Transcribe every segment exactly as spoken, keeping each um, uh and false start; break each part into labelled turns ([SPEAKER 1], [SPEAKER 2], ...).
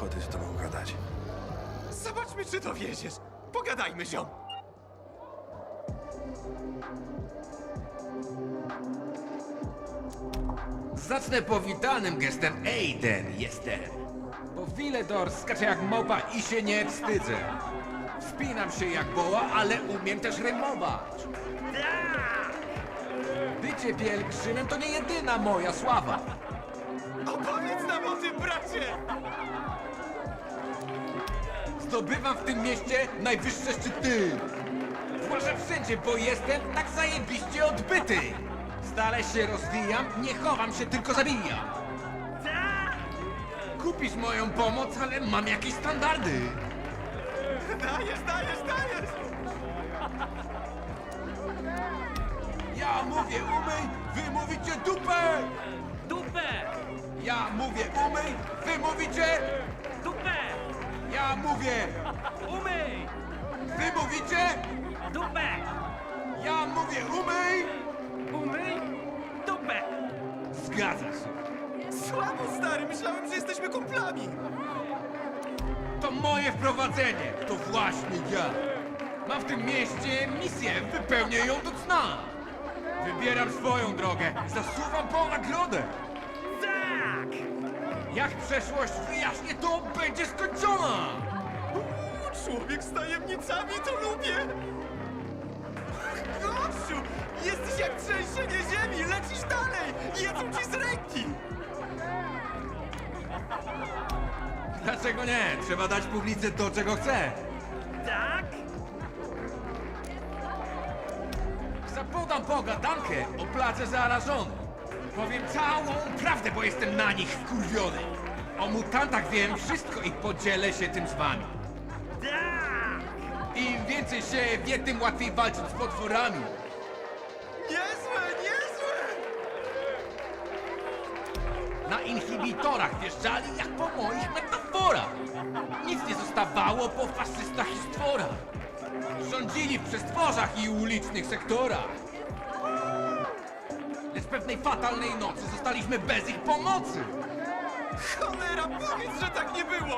[SPEAKER 1] ochoty z tobą gadać.
[SPEAKER 2] Zobaczmy, czy to wiedziesz. Pogadajmy, ziom.
[SPEAKER 3] Zacznę powitanym gestem Aiden jestem. Bo Villedor skacze jak małpa i się nie wstydzę. Wspinam się jak boła, ale umiem też rymować. Bycie pielgrzymem to nie jedyna moja sława.
[SPEAKER 2] Opowiedz nam o tym, bracie!
[SPEAKER 3] Zdobywam w tym mieście najwyższe szczyty. Zwłaszcza wszędzie, bo jestem tak zajebiście odbyty. Stale się rozwijam, nie chowam się, tylko zabijam. Kupisz moją pomoc, ale mam jakieś standardy.
[SPEAKER 2] Dajesz, dajesz, dajesz!
[SPEAKER 3] Ja mówię umyj, wy mówicie dupę!
[SPEAKER 4] Dupę!
[SPEAKER 3] Ja mówię umyj, wy mówicie...
[SPEAKER 4] Dupę!
[SPEAKER 3] Ja mówię,
[SPEAKER 4] Umyj!
[SPEAKER 3] wy mówicie...
[SPEAKER 4] Dupę!
[SPEAKER 3] Ja mówię umyj!
[SPEAKER 4] Umyj! Dupę!
[SPEAKER 3] Zgadza się.
[SPEAKER 2] Słabo, stary, myślałem, że jesteśmy kumplami.
[SPEAKER 3] To moje wprowadzenie, to właśnie ja. Mam w tym mieście misję, wypełnię ją do cna. Wybieram swoją drogę, zasuwam po nagrodę.
[SPEAKER 4] Tak!
[SPEAKER 3] Jak przeszłość wyjaśnię, to będzie skończona.
[SPEAKER 2] Człowiek z tajemnicami, to lubię! Gościu, jesteś jak trzęsienie ziemi, lecisz dalej! Jedzą ci z ręki!
[SPEAKER 3] Dlaczego nie? Trzeba dać publicy to, czego chce.
[SPEAKER 4] Tak?
[SPEAKER 3] Zapodam pogadankę o place zarażony. Powiem całą prawdę, bo jestem na nich wkurwiony. O mutantach wiem wszystko i podzielę się tym z wami.
[SPEAKER 4] Tak!
[SPEAKER 3] Im więcej się wie, tym łatwiej walczyć z potworami.
[SPEAKER 2] Niezłe, niezłe!
[SPEAKER 3] Na inhibitorach wjeżdżali jak po moich metaforach. Nic nie zostawało po faszystach i stworach. Rządzili w przestworzach i ulicznych sektorach. Lecz pewnej fatalnej nocy zostaliśmy bez ich pomocy.
[SPEAKER 2] Cholera, powiedz, że tak nie było!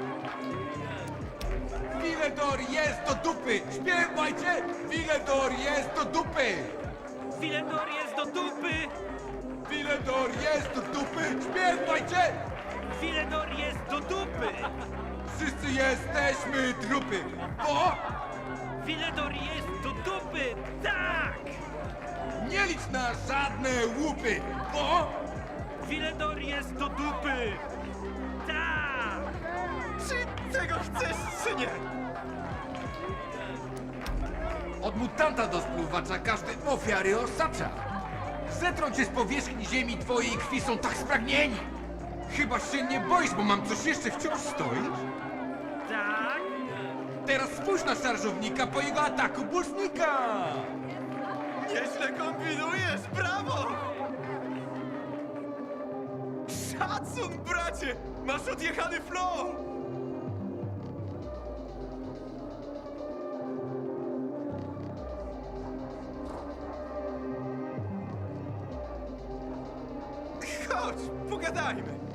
[SPEAKER 3] Villedor jest do dupy! Śpiewajcie! Villedor jest do dupy!
[SPEAKER 4] Villedor jest do dupy!
[SPEAKER 3] Villedor jest do dupy! Śpiewajcie!
[SPEAKER 4] Villedor jest do dupy!
[SPEAKER 3] Wszyscy jesteśmy trupy! Bo
[SPEAKER 4] Villedor jest do dupy! Tak!
[SPEAKER 3] nie licz na żadne łupy! Bo
[SPEAKER 4] Villedor jest do dupy! Tak!
[SPEAKER 2] Czy tego chcesz, czy nie?
[SPEAKER 3] od mutanta do spluwacza każdy ofiary osacza. Zetrą cię z powierzchni ziemi, twojej krwi są tak spragnieni. Chyba się nie boisz, bo mam coś jeszcze, wciąż stoisz?
[SPEAKER 4] Tak!
[SPEAKER 3] Teraz spójrz na szarżownika po jego ataku bursznika!
[SPEAKER 2] Nieźle kombinujesz, brawo! Szacun, bracie! Masz odjechany flow! Chodź, pogadajmy.